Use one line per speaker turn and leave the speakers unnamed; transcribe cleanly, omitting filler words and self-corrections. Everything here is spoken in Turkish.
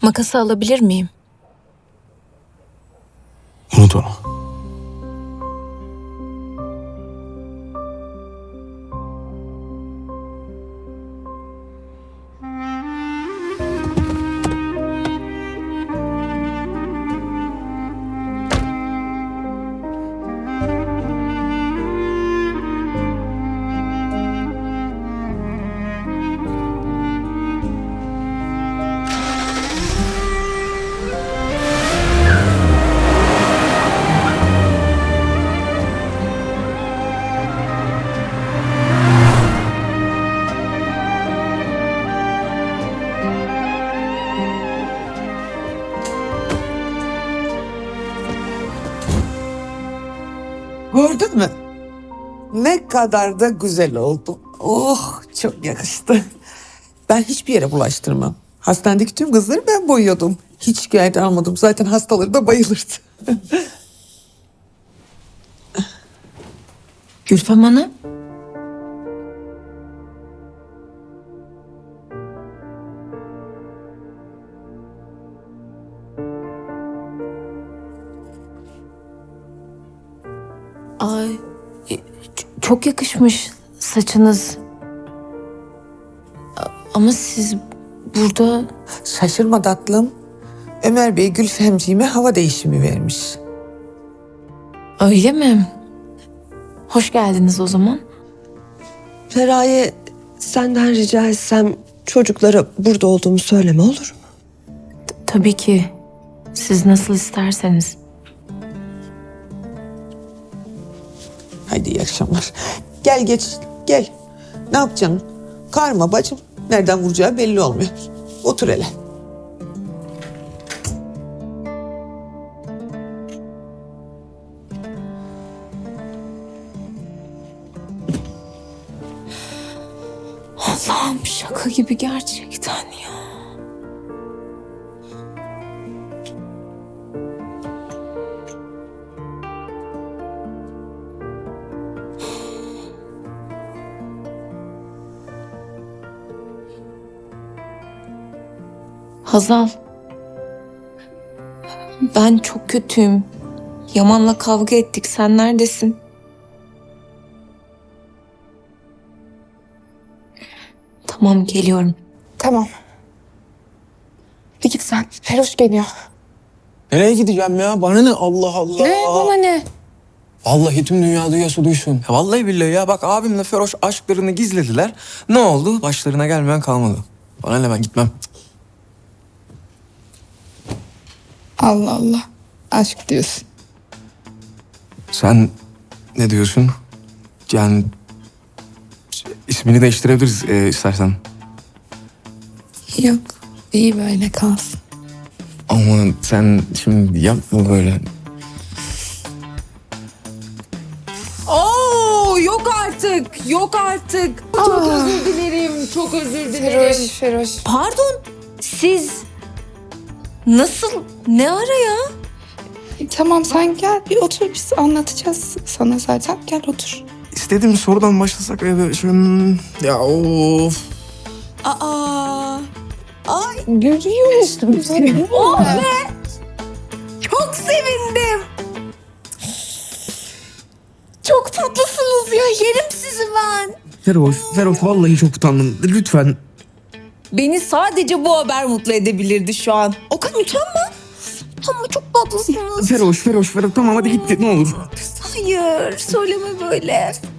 Makası alabilir miyim?
Unut onu.
Gördün mü? Ne kadar da güzel oldu. Oh, çok yakıştı. Ben hiçbir yere bulaştırmam. Hastanedeki tüm kızları ben boyuyordum. Hiç şikayet almadım. Zaten hastaları da bayılırdı.
Gülfem Hanım. Ay, çok yakışmış saçınız. Ama siz burada...
Şaşırma tatlım. Ömer Bey Gülfemciğime hava değişimi vermiş.
Öyle mi? Hoş geldiniz o zaman.
Feraye, senden rica etsem çocuklara burada olduğumu söyleme, olur mu?
Tabii ki. Siz nasıl isterseniz.
Haydi iyi akşamlar. Gel geç, gel. Ne yapacaksın? Karma bacım. Nereden vuracağı belli olmuyor. Otur hele.
Allah'ım şaka gibi gerçekten ya. Hazal. Ben çok kötüyüm. Yaman'la kavga ettik. Sen neredesin? Tamam, geliyorum.
Tamam. Bir git sen. Feroş geliyor.
Nereye gideceğim ya? Bana ne? Allah Allah.
Ne? Bana ne?
Vallahi tüm dünya duyası duysun. Ya vallahi billahi ya. Bak abimle Feroş aşklarını gizlediler. Ne oldu? Başlarına gelmeyen kalmadı. Bana ne, ben gitmem.
Allah Allah. Aşk diyorsun.
Sen ne diyorsun? Yani ismini değiştirebiliriz istersen.
Yok. İyi böyle kalsın.
Ama sen şimdi yapma böyle.
Oo, yok artık. Yok artık. Çok özür dilerim. Çok özür dilerim.
Feroş.
Pardon, siz nasıl, ne ara ya?
Tamam sen gel bir otur, biz anlatacağız sana zaten. Gel otur.
İstediğim sorudan başlasak ya da ya of.
Aa,
Görüyor musun seni?
oh be! Çok sevindim. Çok tatlısınız ya, yerim sizi ben.
Feroş vallahi çok utandım. Lütfen.
Beni sadece bu haber mutlu edebilirdi şu an. Okan utanma. Ama çok tatlısınız.
Feroş tamam hadi git ne olur.
Hayır, söyleme böyle.